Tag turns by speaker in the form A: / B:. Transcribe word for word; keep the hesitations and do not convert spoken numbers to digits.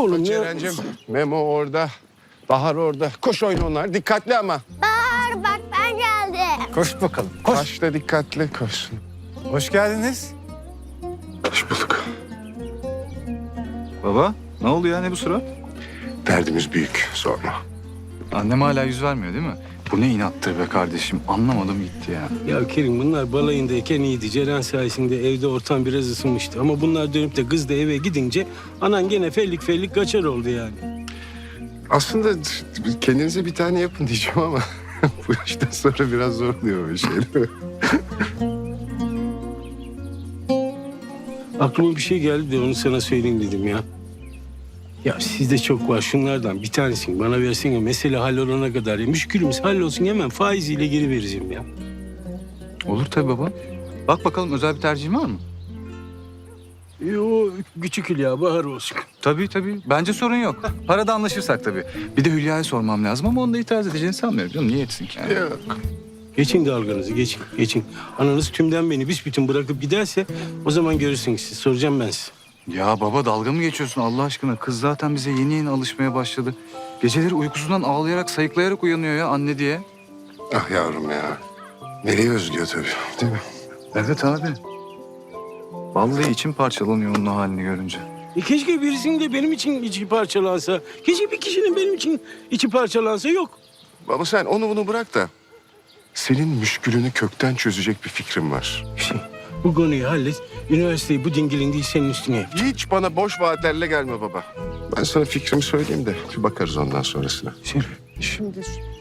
A: Oğlum ne
B: Ceren'cim,
A: yapıyorsun?
B: Memo orada. Bahar orada. Koş oyna onlar. Dikkatli ama.
C: Bahar bak ben geldim.
D: Koş bakalım. Koş.
B: Koş da dikkatli koş.
D: Hoş geldiniz.
B: Hoş bulduk.
E: Baba, ne oldu ya? Ne bu surat?
B: Derdimiz büyük. Sorma.
E: Annem hala yüz vermiyor değil mi? Bu ne inattır be kardeşim. Anlamadım gitti ya.
A: Ya Kerim bunlar balayındayken iyiydi. Ceren sayesinde evde ortam biraz ısınmıştı. Ama bunlar dönüp de kız da eve gidince anan gene fellik fellik kaçar oldu yani.
B: Aslında kendinize bir tane yapın diyeceğim ama bu yaştan sonra biraz zor oluyor böyle şeyler.
A: Aklıma bir şey geldi de onu sana söyleyeyim dedim ya. Ya sizde çok var şunlardan bir tanesini bana versene mesele hallolana kadar. Ya. Müşkülümüz hallolsun hemen faiziyle geri vereceğim ya.
E: Olur tabii baba. Bak bakalım özel bir tercihin var mı?
A: E, o küçük Hülya Bahar olsun.
E: Tabii tabii. Bence sorun yok. Parada anlaşırsak tabii. Bir de Hülya'ya sormam lazım ama onda itiraz edeceğini sanmıyorum canım. Niye etsin ki yani?
B: Yok.
A: Geçin dalganızı geçin geçin. Ananız tümden beni büsbütün bırakıp giderse o zaman görürsünüz siz. Soracağım ben size.
E: Ya baba dalga mı geçiyorsun Allah aşkına? Kız zaten bize yeni yeni alışmaya başladı. Geceleri uykusundan ağlayarak, sayıklayarak uyanıyor ya anne diye.
B: Ah yavrum ya. Meleği özlüyor tabii değil mi?
E: Evet abi. Vallahi içim parçalanıyor onun o halini görünce.
A: E keşke birisinin de benim için içi parçalansa. Keşke bir kişinin benim için içi parçalansa yok.
B: Baba sen onu bunu bırak da senin müşkülünü kökten çözecek bir fikrim var.
A: Şey, bu konuyu hallet. Üniversiteyi bu dingilin değil senin üstüne yap.
B: Hiç bana boş vaatlerle gelme baba. Ben sana fikrimi söyleyeyim de bir bakarız ondan sonrasına.
A: Şey,
B: Şimdi